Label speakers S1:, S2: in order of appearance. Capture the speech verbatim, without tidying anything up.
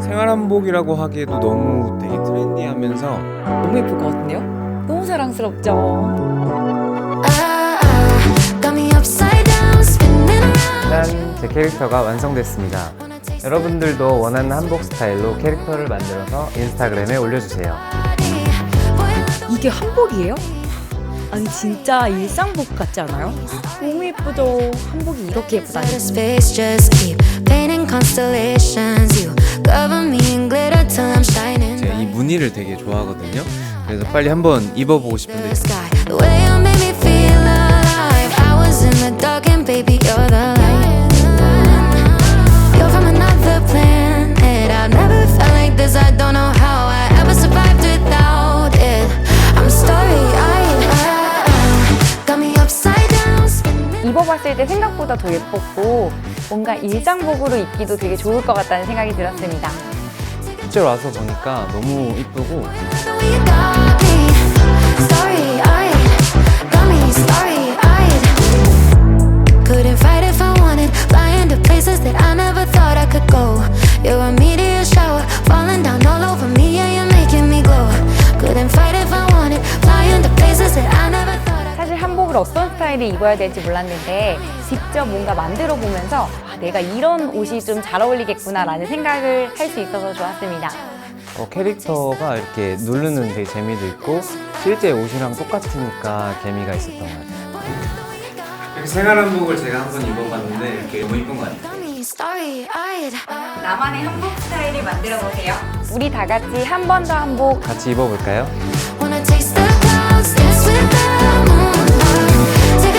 S1: 생활 한복이라고 하기에도 너무 되게 트렌디하면서
S2: 너무 예쁠 것 같은데요? 너무 사랑스럽죠?
S3: 짠! 제 캐릭터가 완성됐습니다. 여러분들도 원하는 한복 스타일로 캐릭터를 만들어서 인스타그램에 올려주세요.
S2: 이게 한복이에요? 아니 진짜 일상복 같지 않아요? 너무 예쁘죠? 한복이 이렇게 예쁘다니.
S1: 제가 이 무늬를 되게 좋아하거든요. 그래서 빨리 한번 입어보고 싶은데
S4: 입어봤을 때 생각보다 더 예뻤고 뭔가 일상복으로 입기도 되게 좋을 것 같다는 생각이 들었습니다.
S3: 실제로 와서 보니까 너무 이쁘고
S4: 사실 한복을 어떤 스타일을 입어야 될지 몰랐는데 직접 뭔가 만들어 보면서 아, 내가 이런 옷이 좀 잘 어울리겠구나 라는 생각을 할 수 있어서 좋았습니다.
S3: 어, 캐릭터가 이렇게 누르는 되게 재미도 있고 실제 옷이랑 똑같으니까 재미가 있었던 것 같아요.
S1: 이렇게 생활 한복을 제가 한번 입어봤는데 이렇게 너무 이쁜 것 같아요.
S4: 나만의 한복 스타일을 만들어 보세요. 우리 다 같이 한 번 더 한복
S3: 같이 입어볼까요?
S5: Wanna taste the clouds, dance with the moonlight. Take